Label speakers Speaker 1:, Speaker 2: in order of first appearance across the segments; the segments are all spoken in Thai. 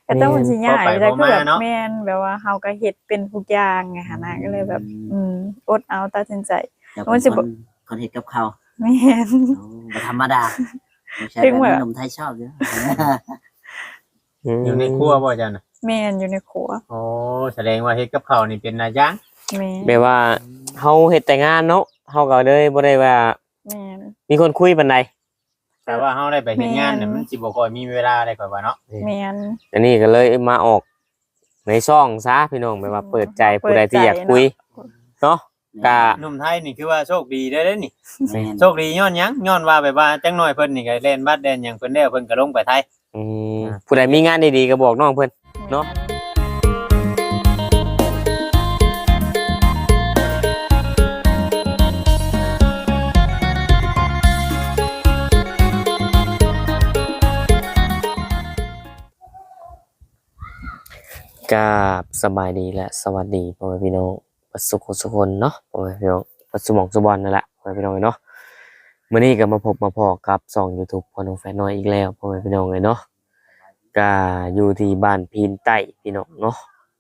Speaker 1: ก็ต้องมันสิยากแต่คือแบบแม่นแบบว่าเฮาก็เฮ็ดเป็นทุกอย่างไงหั่นน่ะก็เลยแบบอดเอาตัดสินใจ
Speaker 2: มันสิคนเฮ็ดกับข้าว
Speaker 1: แม่น
Speaker 2: บ่ธรรมดาใช่แบบขนมไทยชอบอยู่
Speaker 3: อยู่ในครัวบ่จันน่ะ
Speaker 1: แม่นอยู่ในครัว
Speaker 3: โอ้แสดงว่าเฮ็ดกับข้าวนี่เป็นนายจ้าง
Speaker 1: แม่น
Speaker 4: แปลว่าเฮาเฮ็ดแต่งานเนาะเฮาก็เลยบ่ได้ว่า
Speaker 1: แม่น
Speaker 4: มีคนคุยปานใด
Speaker 3: แต่ว่าเฮาได้ไปเฮ็ดงานน่ะมันสิบ่ค่อยมีเวลาได้ค่อยว่าเนาะ
Speaker 1: แม่น
Speaker 4: อันนี้ก็เลยมาออกในช่องซะพี่น้องแบบว่าเปิดใจผู้ใดที่อยากคุยเนาะก็
Speaker 3: หนุ่มไทยนี่คือว่าโชคดีได้เด้นี่โชคดีย้อนหยังย้อนว่าแบบว่าจังน้อยเพิ่นนี่ก็เล่นบัดแดนหยังเพิ่นแล้วเพิ่นก็ลงไปไทย
Speaker 4: ผู้ใดมีงานดีๆก็บอกน้องเพิ่นเนาะกับสบายดีและสวัสดีพ่อแม่พี่น้องสุขสุขคนเนาะพ่อแม่พี่น้องสมองสุบอลนั่นแหละพ่อแม่พี่น้องเนาะมื้อนี้ก็มาพบมาพอกับช่อง YouTube พ่อน้องแฟนน้อยอีกแล้วพ่อแม่พี่น้องเลยเนาะก็อยู่ที่บ้านพีนใต้พี่น้องเนาะ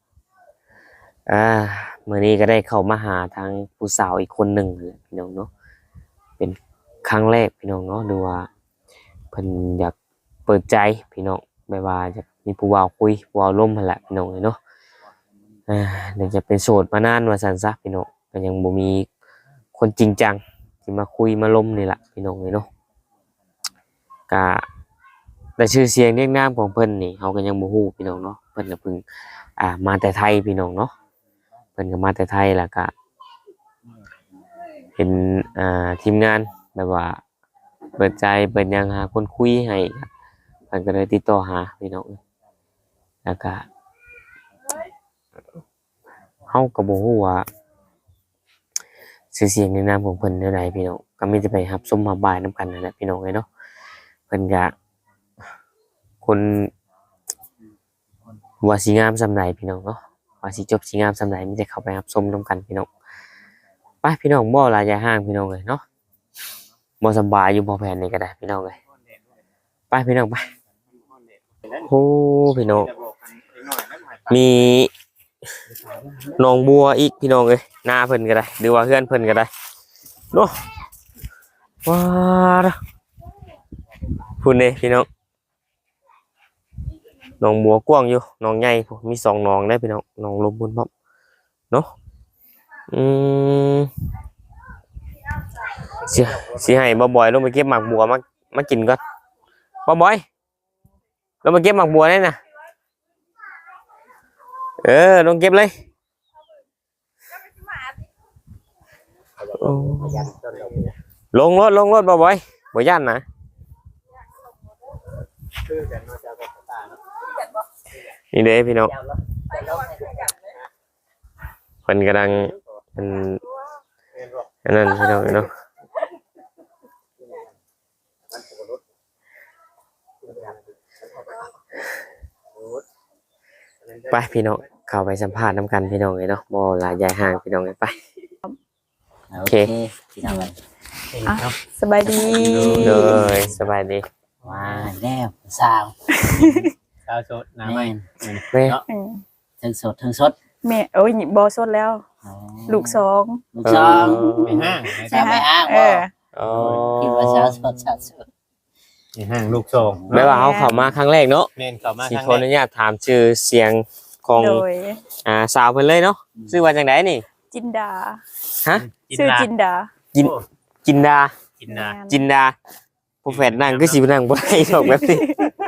Speaker 4: มื้อนี้ก็ได้เข้ามาหาทางผู้สาวอีกคนหนึ่งแหละพี่น้องเนาะเป็นครั้งแรกพี่น้องเนาะดูว่าเพิ่นอยากเปิดใจพี่น้องไม่ว่าจะมีผู้บ่าวคุยผู้บ่าวล้มหั่นแหละพี่น้องเนาะเดี๋ยวจะเป็นโสดมานานว่าซั่นซะพี่น้องก็ยังบ่มีคนจริงจังที่มาคุยมาล้มนี่แหละพี่น้องเนาะก็แต่ชื่อเสียงเรียกนามของเพิ่นนี่เฮาก็ยังบ่ฮู้พี่น้องเนาะเพิ่นก็เพิ่งมาแต่ไทยพี่น้องเนาะเพิ่นก็มาแต่ไทยแล้วก็เป็นทีมงานแบบว่าเปิดใจเปิดหยังหาคนคุยให้เพิ่นก็เลยติดต่อหาพี่น้องแล้วก็เฮาก็บ่ฮู้ว่าชื่อเสียงในนามของเพิ่นแนวใดพี่น้องก็มีแต่ไปรับชมรับบายนํกันนั่นแหละพี่น้องเนาะเพิ่นก็คนว่าสิงามส่ำใดพี่น้องเนาะว่าสิจบสิงามส่ำใดมีแต่เข้าไปรับชมนํกันพี่น้องไปพี่น้องบ่หลายใจห่างพี่น้องเอ้ยเนาะบ่สบายอยู่บ่แผนนี่ก็ได้พี่น้องเอ้ยไปพี่น้องไปโอ้พี่น้องมีน้องบัวอีกพี่น้องเอ้ยหน้าเพิ่นก็ได้หรือว่าเพื่อนเพิ่นก็ได้เนาะว้าพุ่นเด้พี่น้องน้องบัวกว้างอยู่น้องใหญ่มี2น้องได้พี่น้องน้องลมบุญพร้อมเนาะสิให้บ่บ่อยลงไปเก็บหมากบัวมากินก่อนบ่บ่อยลงไปเก็บหมากบัวได้น่ะลงเก็บเลยลงรถบ่บ่อยบ่ย่านนะนี่เด้พี่น้องเพิ่นกำลังอันนั้นพี่น้องเนาะไปพี่น้องเข้าไปสัมภาษณ์น้ำกันพี่น้องเลยเนาะบ่หลายใหญ่ห่างพี่น้องเลยไปโอเค
Speaker 2: พี่น้อง
Speaker 1: สบายดี
Speaker 4: เลยสบายดี
Speaker 2: ว้าแล้วสาว
Speaker 3: สดน้ำไหม
Speaker 4: แม่
Speaker 2: ทั้งสดทั้งสด
Speaker 1: แม่โอ้ยบ่สดแล้วลูก2
Speaker 3: ไปห้าง
Speaker 2: คิดว่าสาวสด
Speaker 3: ไปห้างลูก2
Speaker 4: ไม่ว่าเขาเข้ามาครั้งแรกเนาะ
Speaker 3: แม่นเข้ามาครั้งแรก
Speaker 4: สิขออนุญาตถามชื่อเสียงของสาวเพิ่นเลยเนาะชื่อว่าจังได๋นี่
Speaker 1: จินดา
Speaker 4: ฮะ
Speaker 1: ชื่อจินดา
Speaker 4: จินดาผู้แฝดนั่งคือสินั่งบ่ได้ดอกแบบนี้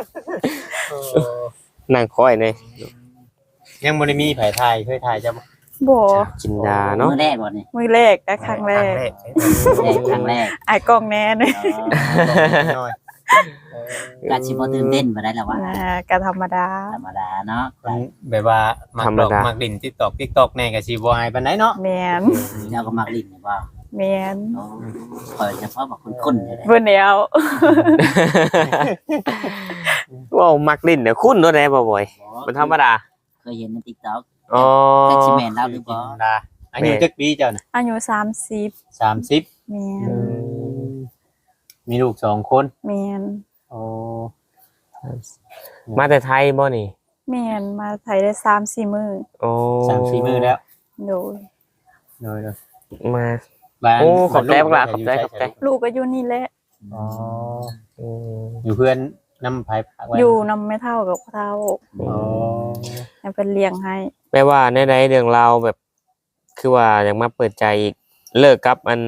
Speaker 4: นั่งคอยเลย
Speaker 3: ยังบ่ได้มีไผถ่ายเคยถ่ายจ้ะ
Speaker 1: บ่
Speaker 4: จินดาเนาะ
Speaker 2: มื้อแรกบ่นี่
Speaker 1: มื้อแรกครั้งแรกอ้ายกล้องแน่เด้
Speaker 2: การสิบ่ตื่นเต้นบ่ได้แล้วว่า
Speaker 1: ก็ธรรมดา
Speaker 2: เนาะ
Speaker 3: แบบว่ามักดิน TikTok แน่ก็สิบ่อายปานใดเนาะ
Speaker 1: แม่น
Speaker 2: แล้วก็มักลิ้นนี่บ่
Speaker 1: แม่น
Speaker 2: คอยเฉพาะว่าคุ้นๆเลย
Speaker 1: เบิ่นแล้ว
Speaker 4: ว้าวมักลิ้นเนี่ยคุ้นเนาะแน่บ่บ่อยมันธรรมดา
Speaker 2: เคยเห็นใน TikTok
Speaker 4: แต่
Speaker 2: สิแม่นแล้วหรือบ่
Speaker 3: อายุจักปีเจ้าน่ะ
Speaker 1: อายุ30แม่น
Speaker 3: มีลูก2คน
Speaker 1: แม่น
Speaker 3: โอ้
Speaker 4: มาแต่ไทยบ่นี่
Speaker 1: แม่นมาไทยได้3-4 มื้อ
Speaker 4: โอ้
Speaker 3: 3-4 มื้อแล้ว
Speaker 1: โดย
Speaker 3: โดย
Speaker 4: มา
Speaker 3: บ้าน
Speaker 4: โอ้ขอบใจ
Speaker 3: ลู
Speaker 4: บักหลาขอบใจ
Speaker 3: ยู่
Speaker 4: ขอบใจ
Speaker 1: ลูกก็อยู่นี่แหละ
Speaker 3: อ๋อ
Speaker 4: อืม
Speaker 3: อยู่เพื่อนนำไผพักไว้
Speaker 1: อยู่นำไม่เท่ากับเท่า
Speaker 3: อ๋อ
Speaker 1: ให้เพิ่นเลี้ยงให้
Speaker 4: แปลว่าในเรื่องราวแบบ คือว่าอยากมาเปิดใจอีกเลิกกับอัน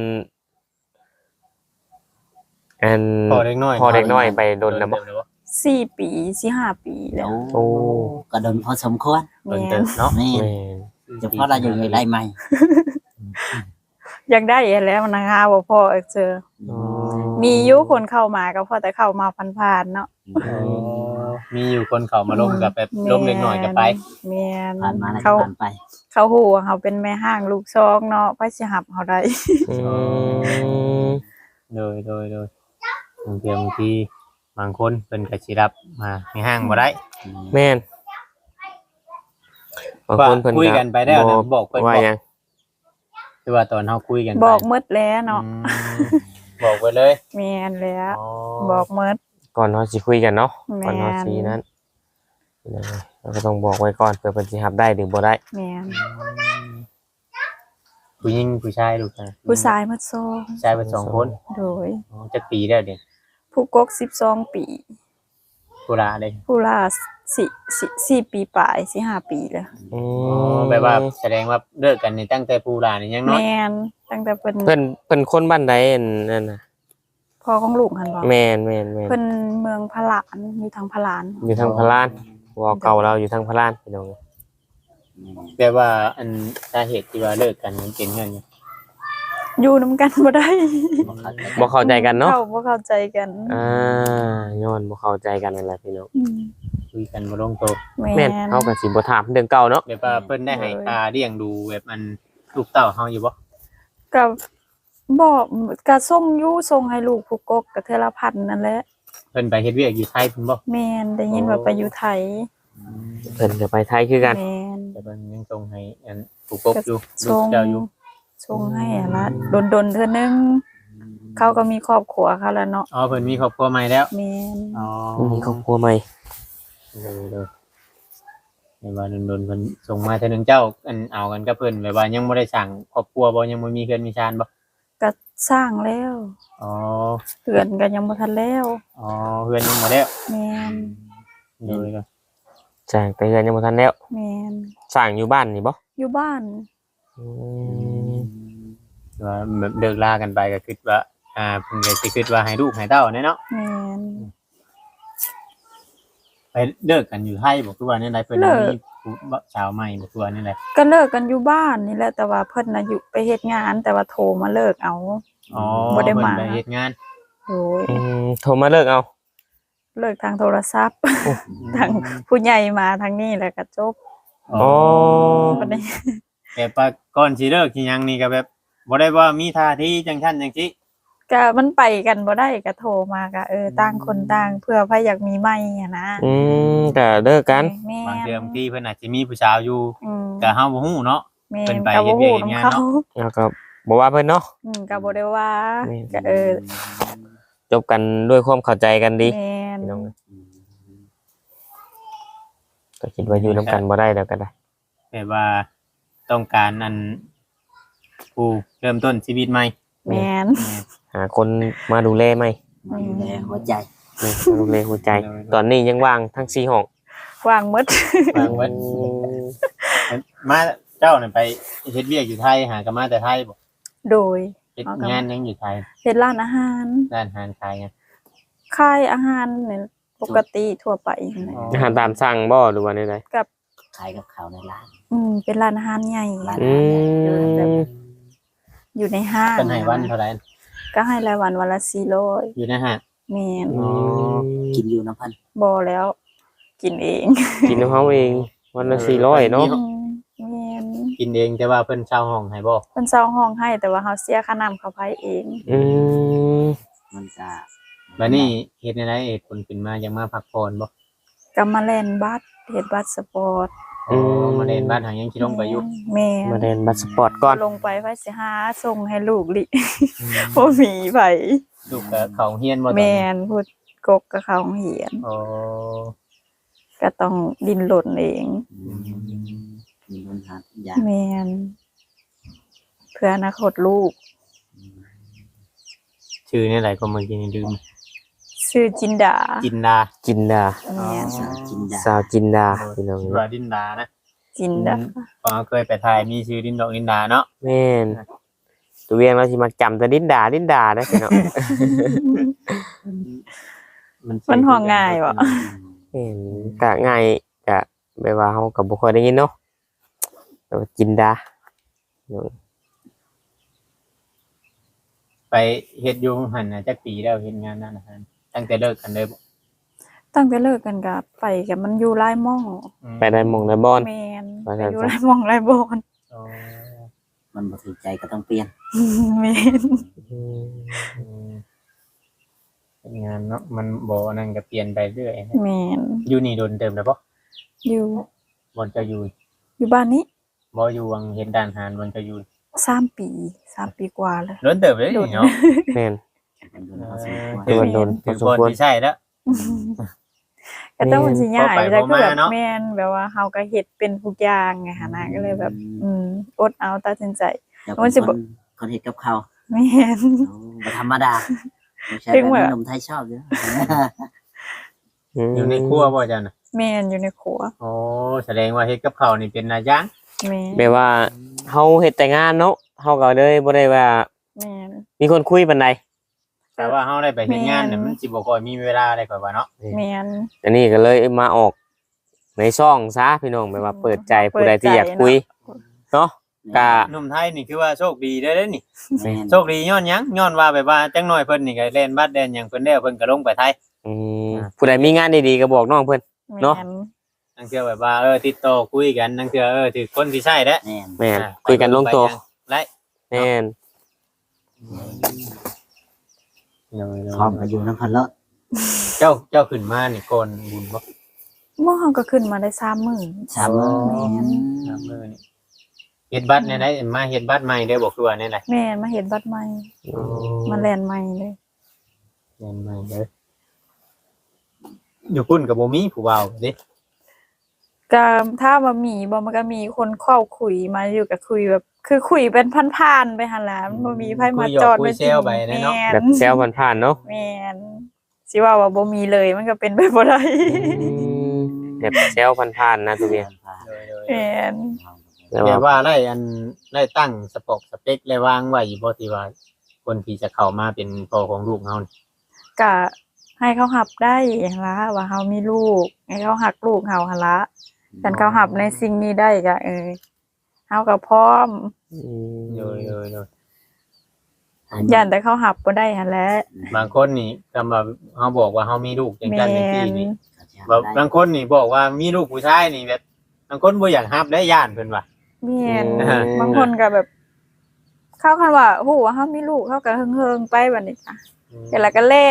Speaker 3: พอเด็กน้อย
Speaker 4: พอเด็กน้อยไปโดนแล้วบ่
Speaker 1: 4 ปี4-5 ปีแล้ว
Speaker 2: โอ้ก็โดนพอสมควร
Speaker 3: โดนเติบเนาะ
Speaker 2: นี่
Speaker 4: แม่น
Speaker 2: เฉพาะเราอยู่ในไร่ใหม่
Speaker 1: อยากได้อีกแล้วนะคะบ่พอเจอ
Speaker 4: อ๋อ
Speaker 1: มีอยู่คนเข้ามาก็พอแต่เข้ามาผ่านๆเนาะ
Speaker 3: อ๋อมีอยู่คนเขามาล้มกับแบบล้มเล็กน้อยก็ไป
Speaker 1: แม่น
Speaker 2: ผ่านมาแล้วก็
Speaker 1: เขา
Speaker 2: ผ่านไป
Speaker 1: เขาฮู้ว่าเขาเป็นแม่ห้างลูกซองเนาะไปสิหับเขาได้
Speaker 4: อืม
Speaker 3: โดยบางทีบางคนเป็นกระชิรับมาในห้างบ่ได้
Speaker 4: แม่นบางคนเพิ่น
Speaker 3: คุยกันไปแล้วนะบอกเพิ่น
Speaker 4: ว่า
Speaker 3: บอก
Speaker 4: หยัง
Speaker 3: คือว่าตอนเฮาคุยกัน
Speaker 1: บอกหมดแล้วเนาะ
Speaker 3: บอกไปเลย
Speaker 1: แม่นแล้ว
Speaker 3: อ๋อ
Speaker 1: บอกหมด
Speaker 4: ก่อนเฮาสิคุยกันเนาะ
Speaker 1: แม่น
Speaker 4: ก่อนเฮาสินั้นเราก็ต้องบอกไว้ก่อนเผื่อเพิ่นสิรับได้หรือบ่ได้
Speaker 1: แม่น
Speaker 3: ผู้หญิงผู้ชายลูกนะ
Speaker 1: ผู้ชายหมดโซ
Speaker 3: ผู้ชายเป็น2คน
Speaker 1: โดย
Speaker 3: อ๋อจักปีแล้วเด้
Speaker 1: ผู้กก12 ปี
Speaker 3: ผู้ลาเด้
Speaker 1: ผู้ล่า4 ปีปลาย4-5 ปีแล้ว
Speaker 4: อื
Speaker 3: อ๋อ
Speaker 4: ม
Speaker 3: แบบว่าแสดงว่าเลิกกันนี่ตั้งแต่ผู้ลานี่ยังน้อย
Speaker 1: แม่นตั้งแต่เพิ่น
Speaker 4: เพิ่นคนบ้านใดอันนั่นน่ะ
Speaker 1: พ่อของลูกหั่นบ่
Speaker 4: แม่น
Speaker 1: เพิ่นเมืองพะหลานอยู่ทางพะหลาน
Speaker 4: อยู่ทางพะลานวอเก่าเราอยู่ทางพะลานพี่น้อง
Speaker 3: แต่ว่าอันสาเหตุที่ว่าเลิกกันมันเป็นเงิน
Speaker 1: อยู่นำกันบ่ได้
Speaker 4: บ่เข้าใจกันเนาะ
Speaker 1: บ่เข้าใจกัน
Speaker 4: ย้อนบ่เข้าใจกันนั่นแหละพี่น้อง
Speaker 1: อืม
Speaker 3: คุยกันบ่ลงตัว
Speaker 1: แม่
Speaker 4: แม่น
Speaker 1: น
Speaker 4: เฮาก็สิบ่ถามเรื่องเก่าเนาะ
Speaker 3: แบบว่าเพิ่นได้ให้ค่าเลี้ยงดูแบบมันลูกเต้าเฮาอยู่บ่
Speaker 1: ก็บ่ก็ส่งอยู่ส่งให้ลูกผู้กกก็เทื่อละพันนั่นแหละ
Speaker 3: เพิ่นไปเฮ็ดเวียกอยู่ไทยเพิ่นบ่
Speaker 1: แม่นได้ยินว่าไปอยู่ไทย
Speaker 4: เพิ่นก็ไปไทยคือกัน
Speaker 1: แม่น
Speaker 3: แต่เพิ่นยังส่งให้อันผู้กบอยู่ลู
Speaker 1: ส่
Speaker 3: ก
Speaker 1: ง
Speaker 3: เจ้าอยู่
Speaker 1: ส่งให้อะละดนๆเทื่อนึงเขาก็มีครอบครัวเขาแล้วเนาะ
Speaker 3: อ๋อเพิ่นมีครอบครัวใหม่แล้ว
Speaker 1: แม่น
Speaker 3: อ๋อ
Speaker 4: มีครอบครัวใหม่
Speaker 3: เลยในว่าโดนๆเพิ่นส่งมาเทื่อนึงเจ้าอันเอากันกับเพิ่นแบบว่ายังบ่ได้สร้างครอบครัวบ่ยังบ่มีเฮือนมีชานบ่
Speaker 1: ก็สร้างแล้ว
Speaker 3: อ๋อ
Speaker 1: เรือนก็ยังบ่ทันแล้ว
Speaker 3: อ๋อเฮือนยังบ่แล้ว
Speaker 1: แม่น
Speaker 3: เลยก็
Speaker 4: สร้างแต่เฮือนยังบ่ทันแล้ว
Speaker 1: แม่น
Speaker 4: สร้างอยู่บ้านนี่บ่
Speaker 1: อยู่บ้าน
Speaker 4: อืม
Speaker 3: ว่าแบบเลิกลากันไปก็คิดว่าเพิ่นก็สิคิดว่าให้ลูกให้เต้าแน่เนาะ
Speaker 1: แม่น
Speaker 3: ไปเลิกกันอยู่ไทยบ่คือว่าแนวใดเพิ่นมีผู้สาวใหม่บ่คือว่าแนวใด
Speaker 1: ก็เลิกกันอยู่บ้านนี่แหละแต่ว่าเพิ่นน่ะอยู่ไปเฮ็ดงาน แต่ว่าโทรมาเลิกเอา
Speaker 3: อ๋อ
Speaker 1: บ่ได้มา
Speaker 3: เพิ่นไปเฮ็ดงาน
Speaker 1: โอ้ย
Speaker 4: โทรมาเลิกเอา
Speaker 1: เลิกทางโทรศัพท์ ทางผู้ใหญ่มาทางนี้แล้วก็จบ
Speaker 4: อ๋อ
Speaker 1: บ่ได้
Speaker 3: แบบว่าก่อนสิเลิกสิหยังนี่ก็แบบบ่ได้ว่ามีท่าทีจังซั่นจังซี่
Speaker 1: ก็มันไปกันบ่ได้ก็โทรมาก็ต่างคนต่างเพื่อไผอยากมีใหม่อะนะ
Speaker 4: ก็เลิกกัน
Speaker 1: แม่
Speaker 3: บาง
Speaker 1: น
Speaker 3: เทื่อบางทีเพิ่นอาจสิมีผู้สาวอยู่
Speaker 1: อืม
Speaker 3: ก็เฮาบ่ฮู้เนาะ
Speaker 1: แม่
Speaker 3: เพิ่
Speaker 1: น
Speaker 3: นไป
Speaker 1: ก็บ่
Speaker 3: เฮ็
Speaker 1: ฮู้
Speaker 3: ดเวียกเฮ็ด
Speaker 1: นำ
Speaker 3: งาน
Speaker 1: เขา
Speaker 3: เนาะ
Speaker 4: แล้วก็บ่ว่าเพิ่นเนาะ
Speaker 1: ก็บ่ได้ว่า
Speaker 4: แม่น
Speaker 1: ก็
Speaker 4: จบกันด้วยความเข้าใจกันดี
Speaker 1: แม่น
Speaker 4: พี่น้องก็คิดว่าอยู่นํกันบ่ได้แล้วก็ได้
Speaker 3: แบบว่าต้องการอันผู้เริ่มต้นชีวิตใหม่
Speaker 1: แม่น
Speaker 4: หาคนมาดูแลไหม
Speaker 2: มาดูแลหัวใจ
Speaker 4: มาดูแลหัวใจ ตอนนี้ยังว่างทั้ง4ห้อง
Speaker 1: วางหมด
Speaker 3: วางไว้มาเจ้าน่ะไปเฮ็ดเวียกอยู่ไทยหากันมาแต่ไทยบ่
Speaker 1: โดย
Speaker 3: เฮ็ดงานยังอยู่ไทย
Speaker 1: เฮ็ดร้านอาหาร
Speaker 3: ร้านอาหารขายไง
Speaker 1: ขายอาหารเนี่ยปกติทั่วไปนั่นแหละ
Speaker 4: อาหารตามสั่งบ่หรือว่าใด
Speaker 2: ขายกับเขาวในร้าน
Speaker 1: เป็นร้านอาหารใหญ่
Speaker 2: ร้าน
Speaker 4: ๆอืม
Speaker 1: อยู่ในห้าง
Speaker 3: เป็นให้วันเท่าไหร่
Speaker 1: ก็ให้รายวันวันละ400
Speaker 3: อยู่นะฮะ
Speaker 1: แม่น
Speaker 3: อ๋อ
Speaker 2: กินอยู่น้ำพัน
Speaker 1: บ่แล้ว กินเอง
Speaker 4: กินของเขาเองวันละ400เนาะ
Speaker 1: แม่น
Speaker 3: กินเองแต่ว่าเพิ่นเช่าห้องให้บ่
Speaker 1: เพิ่นเช่าห้องให้แต่ว่าเฮาเสียค่าน้ำค่าไฟเอง
Speaker 4: อืม
Speaker 2: มันจะ
Speaker 3: บัดนี้เฮ็ดในไรเหตุผลขึ้นมายังมาพักผ่อนบ่
Speaker 1: ก็มาแล่นบัตรเฮ็ดบัตรสปอร์ต
Speaker 3: อ๋อมาเล่นบ้านหางยังสิลงไปอยู่
Speaker 1: แม่
Speaker 4: มาเรียนบัตรสปอร์ตก่อน
Speaker 1: ลงไปไว้สิหาส่งให้ลูกลิ บ่มีไผ
Speaker 3: ลูกก็เขาเฮียนบ่ตอน
Speaker 1: แม่
Speaker 3: นี้
Speaker 1: นพูดกกกับเขาเหียน
Speaker 3: อ๋อ
Speaker 1: ก็ก็ต้องดิ้นรนเอง
Speaker 2: มีปัญหาทุกอย่าง
Speaker 1: แม่นเพื่ออนาคตลูก
Speaker 3: ชื่อนี่อะไรก็เมื่อกี้นี่ลืม
Speaker 1: ชื่อจินดา
Speaker 3: จินดา
Speaker 4: จินดา
Speaker 1: แม่น
Speaker 2: สาวจินดา
Speaker 4: สาวจินดาพี่น้อง
Speaker 3: ว่าดินดานะ
Speaker 1: จินดา
Speaker 3: พอเคยไปถ่ายมีชื่อดินดอกดินดาเนาะ
Speaker 4: แม่นตัวเวียงเราสิมาจำแต่ดินดาได้พี่น้อง
Speaker 1: มันห้องง่ายบ่
Speaker 4: แม่นก็ง่ายก็แบบว่าเฮาก็บ่ค่อยได้ยินเนาะแต่ว่าจินดา
Speaker 3: ไปเฮ็ดอยู่หันน่ะจักปีแล้วเฮ็ดงานนั่นนะฮะตั้งแต่เลิกกันเลยบ่
Speaker 1: ตั้งแต่เลิกกันก็ไปกับมันอยู่หลายหม่อง
Speaker 4: ไปได้หมองได้บอน
Speaker 1: แม่น
Speaker 4: ว่า
Speaker 1: ไป
Speaker 4: ซั่น
Speaker 1: อยู่หลายหม่องหลายบอน
Speaker 3: อ๋อ
Speaker 2: มันบ่ถูกใจก็ต้องเปลี่ยน
Speaker 1: แม่น
Speaker 4: อืม
Speaker 3: อืมเป็นงานเนาะมันบ่นั่นก็เปลี่ยนไปเรื่อย
Speaker 1: แม่น
Speaker 3: อยู่นี่โดนเติมแล้วบ่
Speaker 1: อยู่
Speaker 3: บ่จะอยู่
Speaker 1: อยู่บ้านนี้
Speaker 3: บ่อยู่วังเฮ็ดด้านอาหารบ่จะอยู่
Speaker 1: 3 ปี3 ปีกว่าแล้ว
Speaker 3: โดนเติมเลยนี่เนาะ
Speaker 4: แม่น
Speaker 2: มันโดนพอสมควร
Speaker 4: คือมันโดนพ
Speaker 3: ถึ
Speaker 4: อง สม
Speaker 3: คน
Speaker 4: ควร
Speaker 3: ที่ใช่แล้ว
Speaker 1: ก็ต้องมันสิยาก
Speaker 3: พอไป
Speaker 1: แต่คือแบบ
Speaker 3: พอมาเนาะ
Speaker 1: แม่นแบบว่าเฮาก็เฮ็ดเป็นทุกอย่างไงหั่นน่ะก็เลยแบบ อดเอาตัดสินใจ
Speaker 2: เดี๋ยว
Speaker 1: มันสิบ่
Speaker 2: คนเฮ็ดกับข้าว
Speaker 1: แม่น
Speaker 2: บ่ธรรมดาไม่ใช่
Speaker 1: ถึง
Speaker 2: แบบ
Speaker 1: ว่า
Speaker 2: ขนมไทยชอบเด้อ
Speaker 3: อยู่ในครัวบ่จันน่ะ
Speaker 1: แม่นอยู่ในครัว
Speaker 3: โอ้แสดงว่าเฮ็ดกับข้าวนี่เป็นนายาง
Speaker 1: แม่น
Speaker 4: แบบว่าเฮาเฮ็ดแต่งานเนาะเฮาก็เลยบ่ได้ว่า
Speaker 1: แม่น
Speaker 4: มีคนคุยปานใด
Speaker 3: แต่ว่าเฮาได้ไปเฮ็ดงานเนี่ย
Speaker 1: แม่น
Speaker 3: มันสิบ่ค่อยมีเวลาได้ค่อยว่าเนาะ
Speaker 1: แม่น
Speaker 4: อันนี้ก็เลยมาออกในช่องซะพี่น้องแบบว่าเปิดใจผู้ใดที่อยากคุยเนาะก็
Speaker 3: หนุ่มไทยนี่คือว่าโชคดีเด้อนี่
Speaker 2: แม่น
Speaker 3: โชคดีย้อนหยังย้อนว่าแบบว่าจังน้อยเพิ่นนี่ก็เล่นบัดแดนหยังเพิ่นแล้วเพิ่นก็ลงไปไทย
Speaker 4: อืมผู้ใดมีงานดีๆก็บอกน้องเพิ่น เนาะ
Speaker 1: แม่น
Speaker 3: นั่นคือแบบว่าติดต่อคุยกันนั่นคือถือคนที่ใช่แล้ว
Speaker 2: แม่น
Speaker 4: แม่นคุยกันลงตัว
Speaker 3: ไร
Speaker 4: แม่น
Speaker 2: พร้อมก็อยู่นำเพิ่นแล้ว
Speaker 3: เจ้าขึ้นมานี่ก่อนบุญบ่
Speaker 1: หม้อเฮาก็ขึ้นมาได้3มื้อ
Speaker 2: สามมื้อ
Speaker 1: แม่น
Speaker 3: น้ำมือนี่เฮ็ดบัตรเนี่ยได้มาเฮ็ดบัตรใหม่ได้บ่คือว่าแน่ไหน
Speaker 1: แม่นมาเฮ็ดบัตรใหม่มาแลนใหม่เลย
Speaker 3: เฮ็ดใหม่เด้ออยู่พุ่นก็บ่มีผู้เว้าเด้
Speaker 1: ก็ถ้าว่ามีบ่มันก็มีคนเข้าคุยมาอยู่ก็คุยแบบ คือคุยเป็นผ่านๆไปหั่นล่ะมันบ่มีไผมาจอด
Speaker 3: คุยเซลไปเนาะ
Speaker 4: แบบแซวผ่านๆเนาะ
Speaker 1: แม่นสิว่าบ่มีเลยมันก็เป็นไปบ่ได้
Speaker 4: แบบแซวผ่านๆนะตัวเวียง
Speaker 1: แม่น
Speaker 4: แต่
Speaker 3: แต่
Speaker 4: ว่า
Speaker 3: ว่าได้ตั้งสเปคได้วางไว้บ่ที่ว่าคนที่จะเข้ามาเป็นพ่อของลูกเฮานี่
Speaker 1: ก็ให้เขาหับได้หั่นล่ะว่าเฮามีลูกให้เขาหักลูกเฮาหั่นล่ะคันเขาหับในสิ่งนี้ได้ก็เฮาก็พร้อม
Speaker 3: โดย
Speaker 1: ย่านแต่เขาหับบ่ได้หั่นแหละ
Speaker 3: บางคนนี่คำว่าเฮาบอกว่าเฮามีลูกจัง
Speaker 1: แม่
Speaker 3: ซั่นจังซี่
Speaker 1: น
Speaker 3: นี่บางคนนี่บอกว่ามีลูกผู้ชายนี่แบบบางคนบ่อยากรับได้ย่านเพิ่นว่า
Speaker 1: แม่น
Speaker 3: อืม
Speaker 1: บางคนก็แบบ เขาคันว่าฮู้ว่าเฮามีลูกเขาก็เฮิงๆไปบัดนี้จ้ะเสร็จแล้วก็แล้ว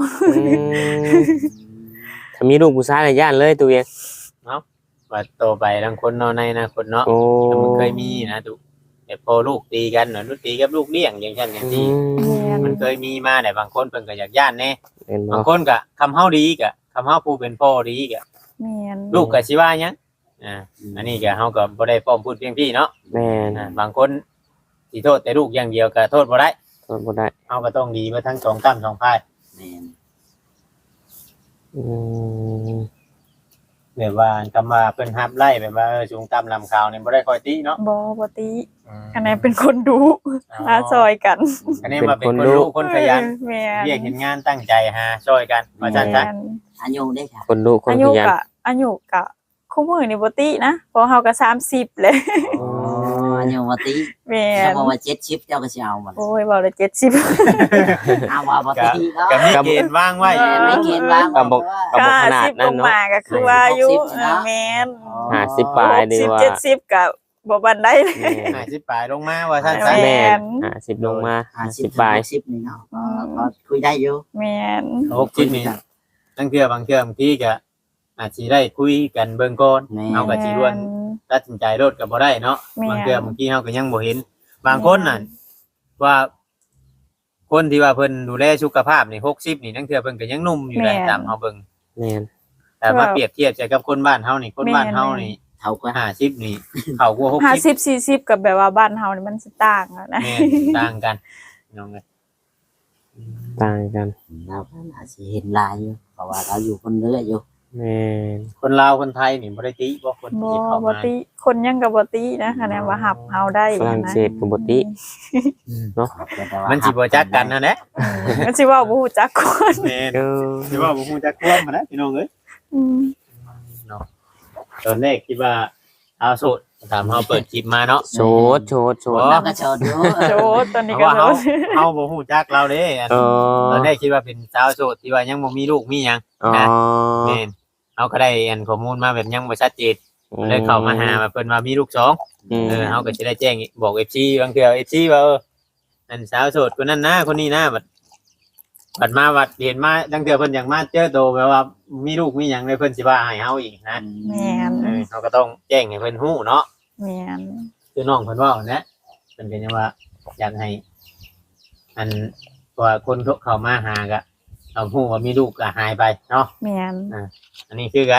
Speaker 4: ถ้ามีลูกผู้ชายในย่านเลยตัวเวียง
Speaker 3: ว่าโตไปบางคนเนาะในอนาคตเนาะ
Speaker 4: โอ้
Speaker 3: แต่มันเคยมีนะตุแต่พอลูกตีกันเนาะลูกตีกับลูกเลี้ยงอย่างเช่นอย่างที่มันเคยมีมาแต่บางคนเพิ่นก็อยากย่านแน่
Speaker 4: เป็น
Speaker 3: บาง
Speaker 4: เนาะ
Speaker 3: คนก็คำเฮาดีก็คำเฮาผู้เป็นพ่อดีก็
Speaker 1: แม่น
Speaker 3: ลูกก็สิว่าหยังอันนี้ก็เฮาก็บ่ได้พร้อมพูดเพียงพี่เนาะ
Speaker 4: แม่น
Speaker 3: บางคนสิโทษแต่ลูกอย่างเดียวก็โทษบ่ได้
Speaker 4: ทนบ่ได้
Speaker 3: เฮาก็ต้องดีมาทั้งสองตั้มสองพาย
Speaker 2: แม่น
Speaker 4: อืม
Speaker 3: แบบว่าคำว่าเพิ่นฮับไล่แบบว่าสูงต่ำลำขาวนี่บ่ได้ค่อยติเนาะ
Speaker 1: บ่ติอันนั้นเป็นคนดุหาซอยกัน
Speaker 3: อันนี้มาเป็นคนรู้คนขยัน
Speaker 1: แม่น
Speaker 3: เรียกเห็นงานตั้งใจหาช่วยกันว่าซั่นซะ
Speaker 1: แม่น
Speaker 2: อายุได้ค่ะ
Speaker 4: คนลูกคน
Speaker 1: อา
Speaker 4: ข
Speaker 1: ยุ
Speaker 4: ยัน
Speaker 1: กะอายุกะคู่มือนี่บ่ตินะเพราะเฮาก็30เลย
Speaker 2: อ๋ออายุว่าติ
Speaker 1: แม่
Speaker 2: ถ้าน บอกว่า70เจ้าก็สิเอาบ่ล่ะ
Speaker 1: โอ้ยเว้าแล้ว70
Speaker 2: เอาว่าบ่ติเนาะ
Speaker 3: ก็มีเกณฑ์ว่างไว้
Speaker 2: แม่นไม่เกณฑ์ว่าง
Speaker 4: ก็บอก
Speaker 2: ว่า
Speaker 4: ก็บอกขนาด
Speaker 1: 50
Speaker 4: นั้
Speaker 1: ล
Speaker 4: น
Speaker 1: ง
Speaker 4: เนาะ
Speaker 1: มาก็คือว่าอายุ
Speaker 2: 60เนาะ
Speaker 1: แม่น
Speaker 4: 50ปลายดีว่า
Speaker 1: 70ก็บ่ปานใดเลย
Speaker 3: 50ปลายลงมาว่าซั่น
Speaker 1: แม่
Speaker 3: ซะ
Speaker 4: แม่น50ลงมา50ปลาย
Speaker 2: 50นี่เนาะก็คุยได้อยู่
Speaker 1: แม่น
Speaker 3: 60นี่ตั้งเทื่อบางเทื่อบางทีก็อาจสิได้คุยกันเบิ่งก่อน
Speaker 2: แม่
Speaker 3: เอาก็สิรวนตัดสินใจรถก็บ่ได้เนาะ
Speaker 1: แม่น
Speaker 3: บางเทื่อบางทีเฮาก็ยังบ่เห็น บางคนน่ะว่าคนที่ว่าเพิ่นดูแลสุขภาพนี่60นี่ตั้งเทื่อเพิ่นก็ยังหนุ่มอยู่เลยตามเฮาเบิ่ง
Speaker 4: แม่น
Speaker 3: แต่มาเปรียบเทียบใจกับคนบ้านเฮานี่คนบ้านเฮานี่
Speaker 2: เท่าก็
Speaker 3: 50นี่เขากว่า60
Speaker 1: 50 40กับแบบว่าบ้านเฮานี่มันสิต่างอะนะ
Speaker 3: แม่นต่างกันน้องเอ้ย
Speaker 4: ต่างกัน
Speaker 2: เราก็น่าสิเห็นลายอยู่เพราะว่าเราอยู่คนเรื่อยอยู่
Speaker 4: แม่น
Speaker 3: คนลาวคนไทยนี่บ่ได้ติบ่คน
Speaker 1: บ่
Speaker 3: ที่เข้า
Speaker 1: บ่
Speaker 3: มา
Speaker 1: ติคนยังก็บ่ตินะคะแนนว่าหับเฮาได้
Speaker 4: ฝรั่ง
Speaker 1: นะ
Speaker 4: เศสก็บ่ติ
Speaker 3: มันสิบ่จักกันนั่นแหละ
Speaker 1: มันสิเว้าบ่ฮู้จักคน
Speaker 3: แม่น
Speaker 4: เออ
Speaker 3: สิว่าบ่ฮู้จักความมันนะพี่น้องเอ้ย
Speaker 1: อืม
Speaker 3: เนาะตอนแรกคิดว่าเอาโสดถามเฮาเปิดคลิปมาเนาะ
Speaker 4: โชดโชดโชด
Speaker 2: เราก็โชดอยู่
Speaker 1: โจตอน
Speaker 3: เพ
Speaker 1: นี้
Speaker 3: ราะ
Speaker 1: ก็
Speaker 3: ว่า
Speaker 1: โจ
Speaker 3: เฮาบ่ฮู้จักเราเด้อัน
Speaker 4: เออ
Speaker 3: ตอนแรกคิดว่าเป็นสาวโสดที่ว่ายังบ่มีลูกมีหยัง
Speaker 4: อ๋อ
Speaker 3: นะแม่นเอาก็ได้อันข้อมูลมาแบบยังบ่ชัดเจนเลยเข้ามาหาว่าเพิ่นว่ามีลูกสอง
Speaker 4: ม
Speaker 3: เฮาก็สิได้แจ้งบอก FC บางเทื่อ FC ว่าอันสาวโสดคนนั้นนะคนนี้นะบัดมาบัดเห็นมาจังเทื่อเพิ่นอยากมาเจอโตแบบว่ามีลูกมีหยังเลยเพิ่นสิว่าให้เฮาอีกนะ
Speaker 1: แม่น
Speaker 3: เขาก็ต้องแจ้งให้เพิ่นฮู้เนาะ
Speaker 1: แม่น
Speaker 3: คือน้องเพิ่นเว้านะเพิ่นก็ยังว่าอยากให้ อันว่าคนเข้ามาหาก็เอาฮู้ว่ามีลูกก็หายไปเนาะ
Speaker 1: แม่น
Speaker 3: อันนี้คือกัน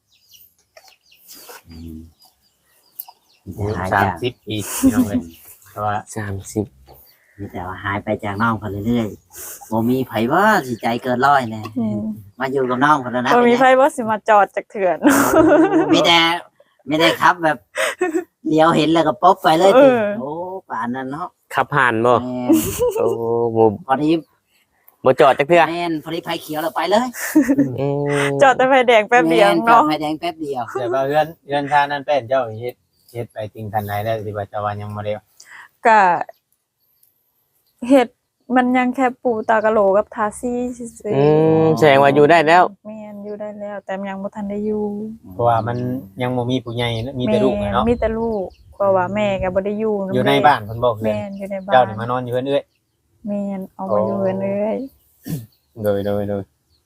Speaker 2: หายจาก
Speaker 3: 30ปีพี่น้องเอ้ยแต่ว่า
Speaker 4: 30
Speaker 2: มีแต่ว่าหายไปจากน้องคนเรื่อยๆบ่มีไผว่าสิใจเกินร้อยแน่
Speaker 1: อืม
Speaker 2: มาอยู่กับน้องคนแล้วนะ
Speaker 1: บ่มีไผบ่สิมาจอดจักเถื่อน
Speaker 2: มีแต่ไม่ได้ครับแบบเลี้ยวเห็นแล้วก็ป๊บไปเลยติโอ้ป่านนั้นเนาะ
Speaker 4: ขับผ่านบ่
Speaker 2: แม่น
Speaker 4: โอ้บ่
Speaker 2: พอดี
Speaker 4: บ่จอดจักเทื่อ
Speaker 2: แม่นพอดีไฟเขียวแล้วไปเลย
Speaker 4: อืม
Speaker 1: จอดแต่ไฟแดงแป๊บเดียว
Speaker 2: แม่จอด
Speaker 1: เนาะ
Speaker 2: ไฟแดงแป๊บเดียว
Speaker 3: แต่ว่าเรือนชานั้นเป็นเจ้าเฮ็ดไปถึงคันไหนแล้วสิว่าจะว่ายังบ่ได้
Speaker 1: ก็เฮ็ดมันยังแค่ปูตากะโหลกับทาซี่ซื่อ
Speaker 4: อืมแสดงว่าอยู่ได้แล้ว
Speaker 1: แม่นอยู่ได้แล้ว แต่มันยังบ่ทันได้อยู่
Speaker 3: เพราะว่ามันยังบ่มีผู้ใหญ่มีแต่ลูกเนาะ
Speaker 1: มีแต่ลูกเพราะว่าแม่ก็บ่ได้อยู่
Speaker 3: อยู่ในบ้านเพิ่นบอกเลย
Speaker 1: แม่นอยู่ในบ้าน
Speaker 3: เจ้านี่มานอนอยู่เพิ่นเอ้ย
Speaker 1: แม่นเอามาอยู่กันเลย
Speaker 3: โดย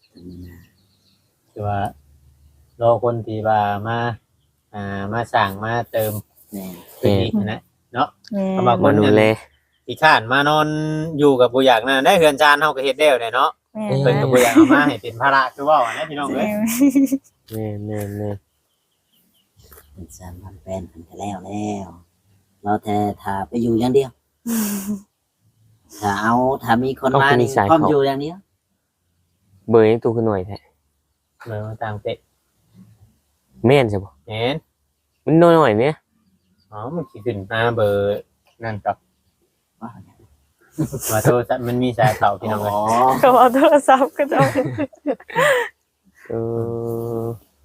Speaker 3: คือว่ารอคนที่ว่ามาสร้างมาเติม
Speaker 2: แม่น
Speaker 3: พื้นที่นะเนาะ
Speaker 1: แม่น
Speaker 3: เอามา
Speaker 4: มาดูแล
Speaker 3: ที่ข้านมานอนอยู่กับบ่อยากนั่นได้เฮือนชานเฮาก็เฮ็ดแล้วได้เนาะ
Speaker 1: แม่
Speaker 3: เพิ่นก็บ่อยากเอามาให้เป็นภาระคือเว้าอะนะพี่น้องเอ้ย
Speaker 4: แม่แม่
Speaker 2: เป็นสามพันแปนกันแล้วเราแต่ถ้าไปอยู่อย่างเดียว ถ้ามีคนมานี่พร้อมอยู่อย่างเดียว
Speaker 4: เบอร์ยังตู้ขึ้นหน่อยแท้
Speaker 3: เลยมาตามเตะ
Speaker 4: แม่นใช่บ่
Speaker 3: เห็น
Speaker 4: มันน้อยๆเนี่ย
Speaker 3: อ๋อมันสิขึ้นมาเบอร์นั่นกับ
Speaker 2: ว่า
Speaker 3: ว่าโทรศัพท์มันมีสายเข้าพี่น้องเอ้ย
Speaker 1: ก็เอาโทรศัพท์ก็จะเอา
Speaker 4: เออ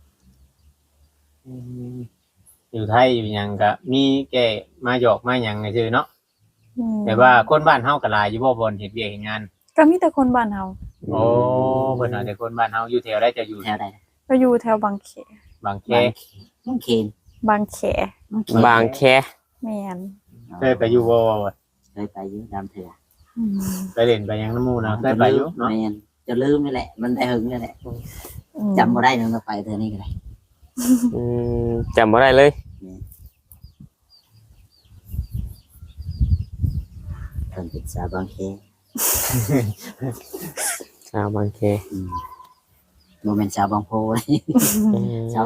Speaker 3: อยู่ไทยอยู่หยังก็มีแก่มาหยอกมาหยังซื่อเนาะแต่ว่าคนบ้านเฮาก็หลายอยู่บ่บ่นเฮ็ดเวียกเฮ็ดงาน
Speaker 1: ก็มีแต่คนบ้านเฮา
Speaker 3: โอ้เพิ่นเอาแต่คนบ้านเฮาอยู่แถวใดจะอยู่
Speaker 2: แถวใด
Speaker 1: ก็อยู่แถวบางแข
Speaker 3: บางแค
Speaker 2: บางเขน
Speaker 1: บางแข
Speaker 4: บางแค
Speaker 1: แม่น
Speaker 3: เคยไปอยู่บ่
Speaker 2: เคยไปอยู่ดำเถื่อ
Speaker 1: อืม
Speaker 3: ไปเล่นไปหยังน้ำหมู่นะเคยไปอยู่เนาะ
Speaker 2: แม่นจะลืมนี่แหละ มันได้หึงนี่แหละ
Speaker 1: อืม
Speaker 2: จำบ่ได้นึงก็ไปเธอนี่ก็ได้
Speaker 4: อืมจำบ่ได้เลย
Speaker 2: เพิ่นเป็นสาวบางเขน
Speaker 4: ชาวบางแค
Speaker 2: โมเมนต์สาวบางโพเลย ชาว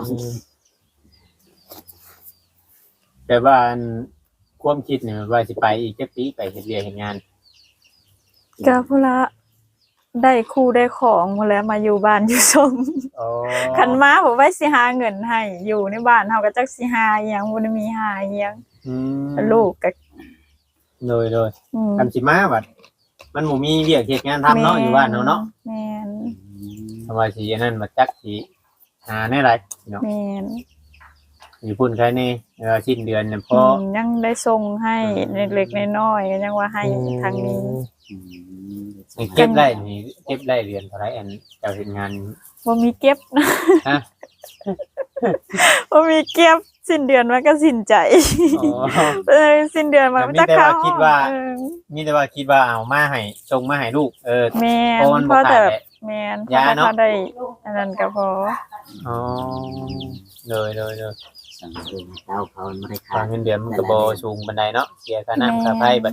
Speaker 3: แต่ว่าอันความคิดเนี่ยว่าสิไปอีกจักปีไปเฮ็ดเวียกเฮ็ดงาน
Speaker 1: ก็พุ่นละได้คู่ได้ของหมดแล้วมาอยู่บ้านอยู่ชม
Speaker 3: อ๋อ
Speaker 1: คันมาผมไว้สิหาเงินให้อยู่ในบ้านเฮาก็จักสิหาอิหยังบ่ได้มีหาอิหยัง
Speaker 3: อืม
Speaker 1: ลูกก็
Speaker 3: โดย
Speaker 1: อืม
Speaker 3: คันสิมาบัดมันบ่มีเวียกเฮ็ดงานทำเนาะอยู่บ้านเนาะ
Speaker 1: แม่น
Speaker 3: ทำไมสิอันนั้นมาจักสิหาแน่ไรเนาะ
Speaker 1: แม่น
Speaker 3: อยู่พุ่นใครนี่สิ้นเดือนเนี่ยพอ
Speaker 1: ยังได้ส่งให้เล็กๆน้อยๆก็ยังว่าให้ทางนี้
Speaker 3: เก็บได้นี่เก็บได้เดือนเท่าไหร่อันเจ้าเฮ็ดงาน
Speaker 1: บ่มีเก็บนะ
Speaker 3: ฮะ
Speaker 1: บ่มีเก็บสิ้นเดือนมันก็สิ้นใจ
Speaker 3: อ๋อ
Speaker 1: สิ้นเดือนมันก็จะเข้า
Speaker 3: แต่มีแต่ว่าคิดว่า
Speaker 1: เออ
Speaker 3: มีแต่ว่าคิดว่าเอามาให้ส่งมาให้ลูก
Speaker 1: แม่น
Speaker 3: เพราะมัน
Speaker 1: เพ
Speaker 3: บ่
Speaker 1: ราะ
Speaker 3: ขา
Speaker 1: แต่
Speaker 3: ด
Speaker 1: แบ
Speaker 3: แห
Speaker 1: บ
Speaker 3: ละ
Speaker 1: แม่น
Speaker 3: ยาเนาะ
Speaker 1: พอได้อันนั้นก็พอ
Speaker 3: อ๋อเลย
Speaker 2: สังเกตเต้าเขาไม่ได้ขา
Speaker 3: ทา
Speaker 2: ด
Speaker 3: งเงินเดือนมันก็บ่สูงปานใดเนาะเสียค่าน้ำค่าไฟบัด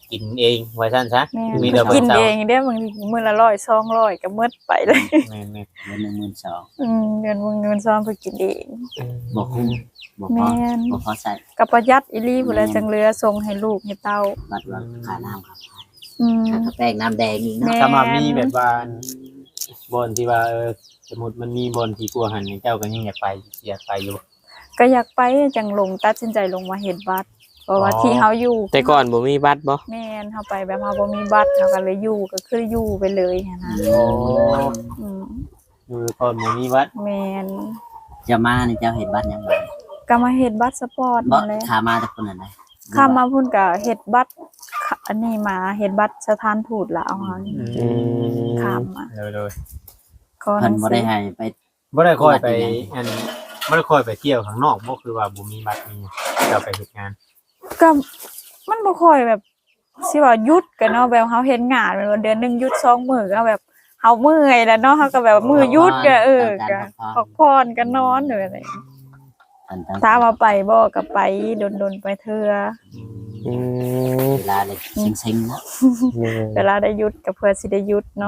Speaker 3: กินเองว่าซั่นซะ
Speaker 1: แม่
Speaker 3: มี
Speaker 1: น
Speaker 3: แต่
Speaker 1: กิน
Speaker 3: เช้า
Speaker 1: เองเด้อบางทีมื้อละ100 200ก็หมดไปเลย
Speaker 3: แม่น
Speaker 2: เดือนหนึ่งหมื่นสอง
Speaker 1: เงินซ้อมเพิ่นกินเอง
Speaker 2: บ่คุ้มบ่พอ
Speaker 1: แม่น
Speaker 2: บ่พอใส่
Speaker 1: ก็ประหยัดอีหลีพุ่นแหละจังเหลือส่งให้ลูกให้เต้า
Speaker 2: บัดว่าค่าน้ำครับ
Speaker 1: อืม
Speaker 2: ค่ากาแฟน้ำแดงอีก
Speaker 1: แม่
Speaker 2: เนาะ
Speaker 3: ถ้ามามีแบบว่าบอนที่ว่าสมมุติมันมีบอนที่กลัวหันเจ้าก็ยังอยากไปอยู่
Speaker 1: ก็อยากไปจังลงตัดสินใจลงมาเฮ็ดบัตรเพราะว่าที่เฮาอยู่
Speaker 4: แต่ก่อนบ่มีบัตรบ่
Speaker 1: แม่นเฮาไปแบบเฮาบ่มีบัตรเฮาก็เลยอยู่ก็คืออยู่ไปเลยหันนะ
Speaker 3: โอ้
Speaker 1: อืม
Speaker 3: อยู่ก่อนบ่มีวัด
Speaker 1: แม่น
Speaker 2: จะมานี่เจ้าเห็นบัตรยังไง
Speaker 1: ก็มาเฮ็ดบัตรสปอร์ต
Speaker 2: บ่
Speaker 1: นั่นแหละ
Speaker 2: ขามาจากคนไหน
Speaker 1: ข้ามมาพุ่นก็เฮ็ดบัตรอันนี้มาเฮ็ดบัตรสถานทูตลาวเฮานี่ข้ามมา
Speaker 3: เลย
Speaker 1: ขอห
Speaker 2: เพิ่
Speaker 1: นั
Speaker 2: น
Speaker 1: ง
Speaker 2: บ่
Speaker 1: สื
Speaker 2: ได้
Speaker 1: อ
Speaker 2: ให้ไป
Speaker 3: บ่ได้ค่อยไปอันบ่ได้ค่อยไปเที่ยวข้างนอกบ่คือว่าบ่มีบัตรนี่เราไปเฮ็ดงาน
Speaker 1: ก็มันบ่ค่อยแบบสิว่าหยุดกันเนาะแบบเฮาเฮ็ดงานแม่นว่าเดือนหนึงหยุด2มื้อก็แบบเฮาเมื่อยแล้วเนาะเฮาก็แบบมื้อหยุดก็ก็พักผ่อนก็นอนหรืออะไร ถ้ามาไปบ่ก็ไปดนๆไปเทื่อ
Speaker 4: อืม
Speaker 2: เวลาเลยเซ็งๆเนาะ
Speaker 1: เวลาได้หยุดก็เพื่อสิได้หยุดเนาะ